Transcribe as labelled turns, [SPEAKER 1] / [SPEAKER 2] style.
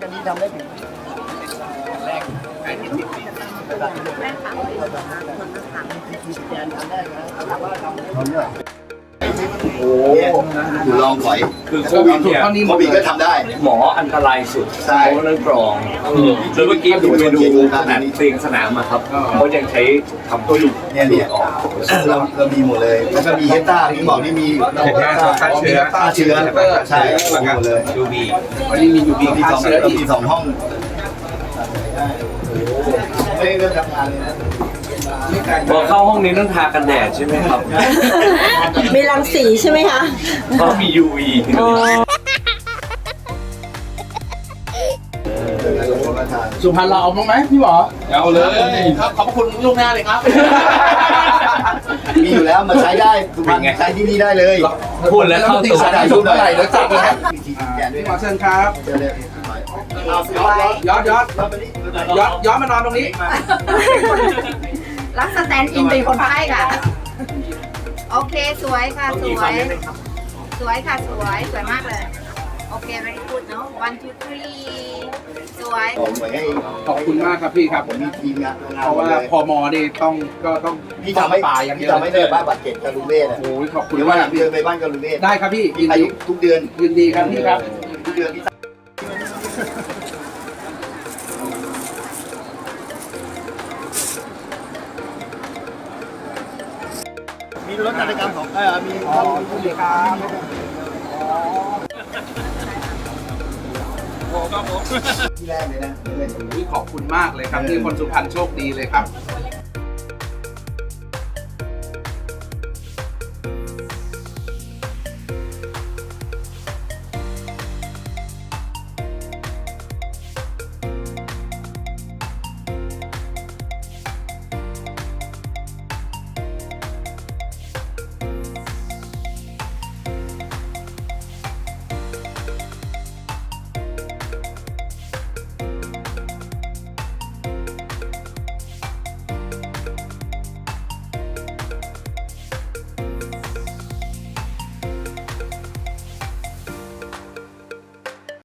[SPEAKER 1] กันนี้ทำได้ถึงแรกไอ้ที่ติดแม่ถามมีแกนทำได้นะแต่ว่าทำได้โอ้อยู่ลองถอยคือโควิดเนี่ยโควิดก็ทำได้
[SPEAKER 2] หมออันตรายสุด
[SPEAKER 1] ใช่
[SPEAKER 2] เรื่องกรองแล้วเมื่อกี้ผมไปดูขนาดเตียงสนามอะครับเขายังใช้ทำตัวอยู่
[SPEAKER 1] เนี่ยเรามีหมดเลยแล้วก็มีเฮต้าที่บอกนี่มีฆ่าเชื้อใช่หมดเลย
[SPEAKER 3] ยูบีวันนี้มียูบีฆ่าเชื้ออีก
[SPEAKER 1] มี2 ห้องไม่เริ่มทำงานเลยนะ
[SPEAKER 2] พอเข้าห้องนี้ต้องทากันแดดใช่ไหมครับ
[SPEAKER 4] มีรังสีใช่ไหมคะ
[SPEAKER 2] เพราะมี UV
[SPEAKER 3] สุพรรณเราเอาบ้างไหมพี่หมอเอาเลยครับขอบคุณล่วงหน้าเลยครับ
[SPEAKER 1] มีอยู่แล้วมาใช้ได้สุพรรณใช้ที่นี่ได้เลย
[SPEAKER 2] พูดแล้วเข้าตัว
[SPEAKER 1] อายุเท่าไหร่แล้วจับเลย
[SPEAKER 3] พี่หมอเชิญครับย้อนมานอนตรงนี้
[SPEAKER 4] รักสแตนด์อินเป็นคนไข้ค่ะโอเคสวยค่ะสวยสวยค่ะสวยมากเลยโอเค very good เนาะ one two three สวย
[SPEAKER 3] ขอบคุณมากครับพี่ครับ
[SPEAKER 1] ผมมีทีมงาน
[SPEAKER 3] เพราะว่าพมนี่ต้อง
[SPEAKER 1] พี่ทำให้ป่าอย่างเดียวไม่ได้บ้านบาดเจ็บกาลูเม่
[SPEAKER 3] โอ้ยขอบคุณ
[SPEAKER 1] มากเดินไปบ้านกาลูเม่
[SPEAKER 3] ได้ครับพี่
[SPEAKER 1] ยินดีทุกเดือน
[SPEAKER 3] ยินดีครับพี่ครับ
[SPEAKER 1] ทุกเดือนพี่มีรถจักรยานของมีผู้เลี้ยงที่แรกเลยนะ
[SPEAKER 3] ขอบคุณมากเลยครับที่คนสุพรรณโชคดีเลยครับ